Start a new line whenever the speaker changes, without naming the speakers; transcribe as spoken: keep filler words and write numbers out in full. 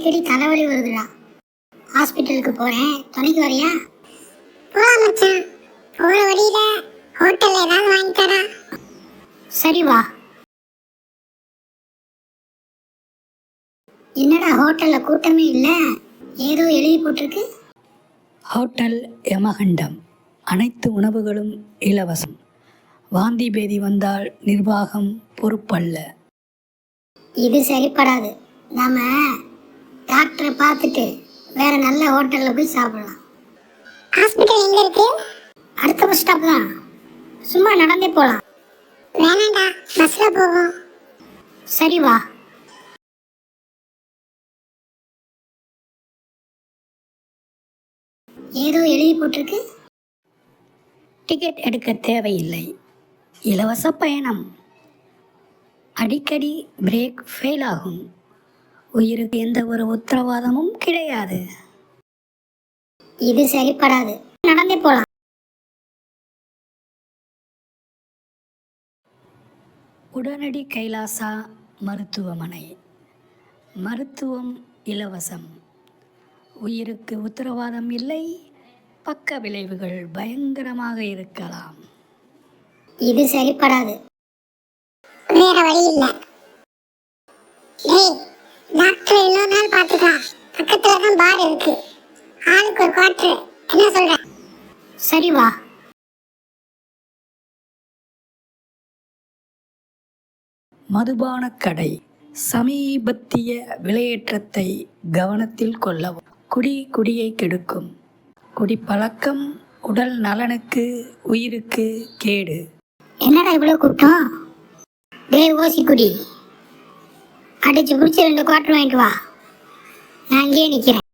அடிக்கடி தலைவலி வருதுடா. ஹாஸ்பிட்டலுக்கு போறேன், துணைக்கு வரியா?
போலாம் மச்சான். போற வழியில ஹோட்டல்ல ஏதாவது வாங்கி தரா.
சரி வா. என்னடா ஹோட்டல்ல கூட்டமே இல்லை, ஏதோ எழுதி போட்டிருக்கு.
ஹோட்டல் யமகண்டம், அனைத்து உணவுகளும் இலவசம். வாந்தி பேதி வந்தால் நிர்வாகம் பொறுப்பல்ல.
இது சரிப்படாது. நாம டாக்டரை பார்த்துட்டு வேற நல்ல ஹோட்டல்ல போய் சாப்பிடலாம்.
ஹாஸ்பிட்டல் எங்க இருக்கு?
அடுத்த பஸ் ஸ்டாப் தான், சும்மா நடந்தே போகலாம்.
வேணாண்டா, பஸ்ல போவோம்.
சரி வா. ஏதோ எழுதி போட்டிருக்கு.
டிக்கெட் எடுக்க தேவையில்லை, இலவச பயணம். அடிக்கடி பிரேக் ஃபெயில் ஆகும், உயிருக்கு எந்த ஒரு உத்தரவாதமும் கிடையாது.
இது சரிப்படாது, நடந்தே போகலாம்.
உடனடி கைலாசா மருத்துவமனை. மருத்துவம் இலவசம், உயிருக்கு உத்தரவாதம் இல்லை, பக்க விளைவுகள் பயங்கரமாக இருக்கலாம்.
இது சரிப்படாது.
வேற வழி இல்ல. டேய், டாக்டர் இன்னொரு நாள் பார்த்துக்கலாம். பக்கத்துல தான் பார் இருக்கு, ஆளுக்கு ஒரு குவார்டர். என்ன சொல்ற?
சரி வா.
மதுபான கடை. சமீபத்திய விலையேற்றத்தை கவனத்தில் கொள்ளவும். குடி குடியை கெடுக்கும். குடிப்பழக்கம் உடல் நலனுக்கு உயிருக்கு கேடு.
என்னடா இவ்வளவு கூட்டம்? டேய் ஓசி குடி, அடிச்சு குடிச்சு ரெண்டு குவார்டர் வாங்கிட்டு வா. நான் அங்கேயே நிற்கிறேன்.